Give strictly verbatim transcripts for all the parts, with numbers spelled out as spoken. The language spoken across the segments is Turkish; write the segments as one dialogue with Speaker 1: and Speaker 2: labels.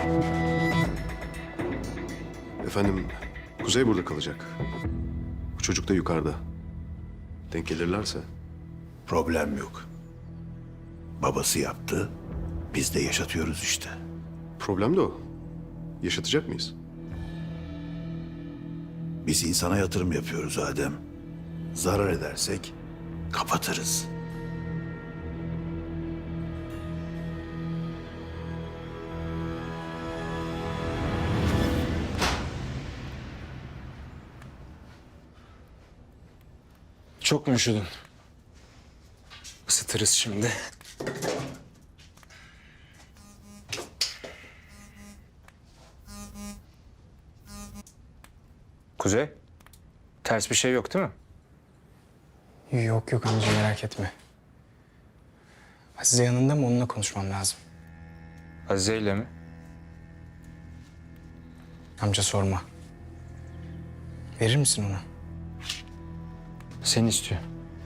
Speaker 1: Efendim, Kuzey burada kalacak. Bu çocuk da yukarıda. Denk gelirlerse.
Speaker 2: Problem yok. Babası yaptı, biz de yaşatıyoruz işte.
Speaker 1: Problem de o. Yaşatacak mıyız?
Speaker 2: Biz insana yatırım yapıyoruz Adem. Zarar edersek kapatırız.
Speaker 3: Çok mu üşüdün? Isıtırız şimdi. Kuzey, ters bir şey yok değil mi?
Speaker 4: Yok yok amca, merak etme. Azize yanında mı? Onunla konuşmam lazım.
Speaker 3: Azize ile mi?
Speaker 4: Amca sorma. Verir misin ona?
Speaker 3: Seni istiyor.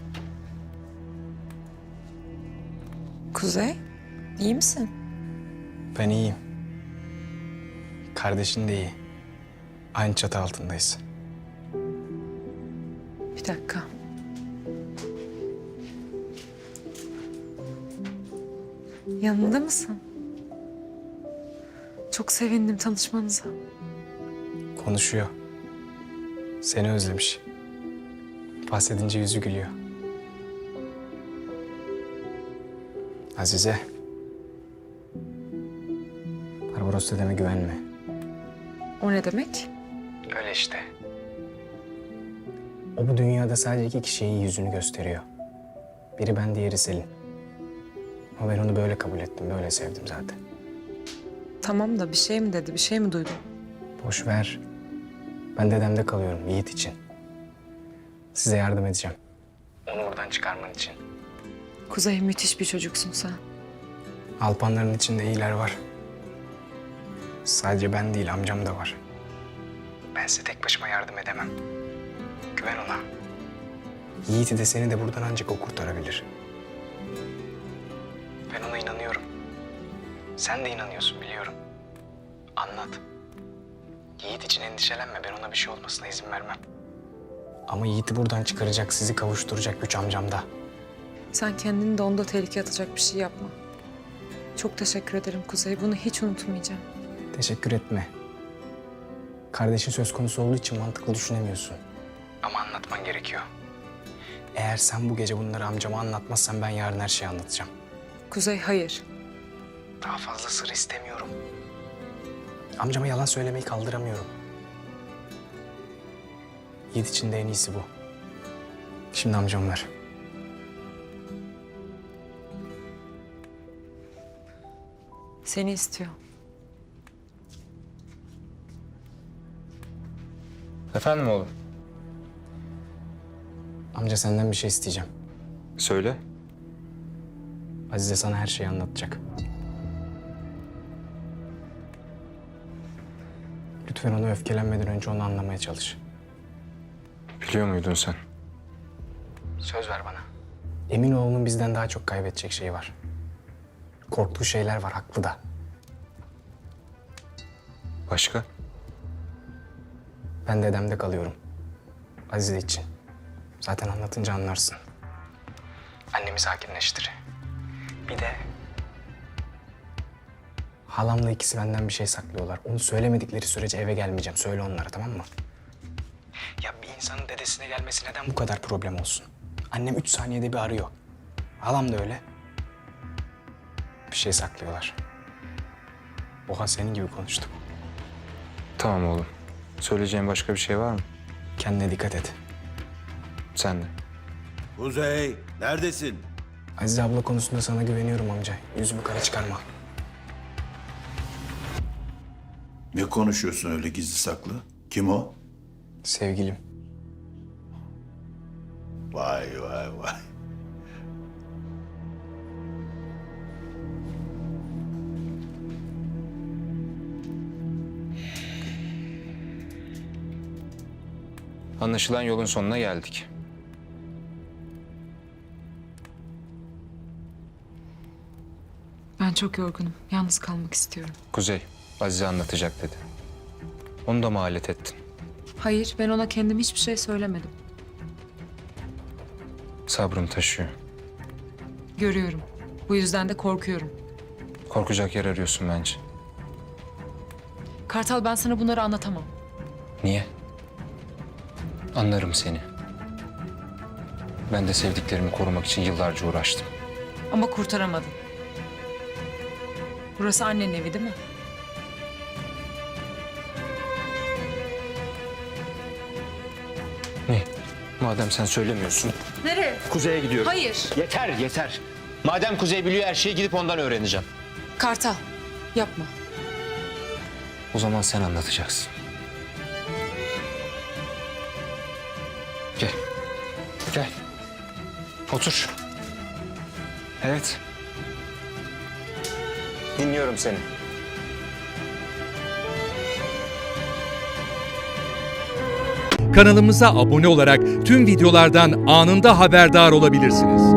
Speaker 5: Kuzey, iyi misin?
Speaker 4: Ben iyiyim. Kardeşin de iyi. Aynı çatı altındayız.
Speaker 5: Bir dakika. Yanında mısın? Çok sevindim tanışmanıza.
Speaker 4: Konuşuyor. Seni özlemiş. Bahsedince yüzü gülüyor. Azize. Barbaros dedeme güvenme.
Speaker 5: O ne demek?
Speaker 4: Öyle işte. O bu dünyada sadece iki kişiye yüzünü gösteriyor. Biri ben, diğeri Selin. Ama ben onu böyle kabul ettim, böyle sevdim zaten.
Speaker 5: Tamam da bir şey mi dedi, bir şey mi duydun?
Speaker 4: Boş ver. Ben dedemde kalıyorum, Yiğit için. Size yardım edeceğim. Onu buradan çıkarman için.
Speaker 5: Kuzey, müthiş bir çocuksun sen.
Speaker 4: Alpanların içinde iyiler var. Sadece ben değil, amcam da var. Ben size tek başıma yardım edemem. Güven ona. Yiğit'i de seni de buradan ancak o kurtarabilir. Ben ona inanıyorum. Sen de inanıyorsun, biliyorum. Anlat. Yiğit için endişelenme. Ben ona bir şey olmasına izin vermem. Ama Yiğit'i buradan çıkaracak, sizi kavuşturacak güç amcamda.
Speaker 5: Sen kendini de onda tehlikeye atacak bir şey yapma. Çok teşekkür ederim Kuzey, bunu hiç unutmayacağım.
Speaker 4: Teşekkür etme. Kardeşin söz konusu olduğu için mantıklı düşünemiyorsun. Ama anlatman gerekiyor. Eğer sen bu gece bunları amcama anlatmazsan ben yarın her şeyi anlatacağım.
Speaker 5: Kuzey, hayır.
Speaker 4: Daha fazla sır istemiyorum. Amcama yalan söylemeyi kaldıramıyorum. Yiğit için de en iyisi bu. Şimdi amcam ver.
Speaker 5: Seni istiyor.
Speaker 3: Efendim oğlum?
Speaker 4: Amca senden bir şey isteyeceğim.
Speaker 3: Söyle.
Speaker 4: Azize sana her şeyi anlatacak. Lütfen onu öfkelenmeden önce onu anlamaya çalış.
Speaker 3: Biliyor muydun sen?
Speaker 4: Söz ver bana. Emin ol onun bizden daha çok kaybedecek şeyi var. Korktuğu şeyler var, haklı da.
Speaker 3: Başka?
Speaker 4: Ben dedemde kalıyorum. Azize için. Zaten anlatınca anlarsın. Annemi sakinleştir. Bir de... Halamla ikisi benden bir şey saklıyorlar. Onu söylemedikleri sürece eve gelmeyeceğim. Söyle onlara, tamam mı? Ya bir insanın dedesine gelmesi neden bu kadar problem olsun? Annem üç saniyede bir arıyor. Halam da öyle. Bir şey saklıyorlar. Oha, senin gibi konuştum.
Speaker 3: Tamam oğlum. Söyleyeceğin başka bir şey var mı?
Speaker 4: Kendine dikkat et.
Speaker 3: Sen de.
Speaker 2: Kuzey, neredesin?
Speaker 4: Azize abla konusunda sana güveniyorum amca. Yüzümü kara çıkarma.
Speaker 2: Ne konuşuyorsun öyle gizli saklı? Kim o?
Speaker 4: Sevgilim.
Speaker 2: Vay vay vay.
Speaker 3: Anlaşılan yolun sonuna geldik.
Speaker 5: Ben çok yorgunum. Yalnız kalmak istiyorum.
Speaker 3: Kuzey, Azize anlatacak dedi. Onu da mı alet ettin?
Speaker 5: Hayır, ben ona kendim hiçbir şey söylemedim.
Speaker 3: Sabrım taşıyor.
Speaker 5: Görüyorum. Bu yüzden de korkuyorum.
Speaker 3: Korkacak yer arıyorsun bence.
Speaker 5: Kartal, ben sana bunları anlatamam.
Speaker 3: Niye? Anlarım seni. Ben de sevdiklerimi korumak için yıllarca uğraştım.
Speaker 5: Ama kurtaramadım. Burası annenin evi değil mi?
Speaker 3: Ne? Madem sen söylemiyorsun.
Speaker 5: Nereye?
Speaker 3: Kuzey'e gidiyorum.
Speaker 5: Hayır.
Speaker 3: Yeter, yeter. Madem Kuzey biliyor her şeyi, gidip ondan öğreneceğim.
Speaker 5: Kartal, yapma.
Speaker 3: O zaman sen anlatacaksın. Gel. Gel. Otur. Evet. Dinliyorum seni.
Speaker 6: Kanalımıza abone olarak tüm videolardan anında haberdar olabilirsiniz.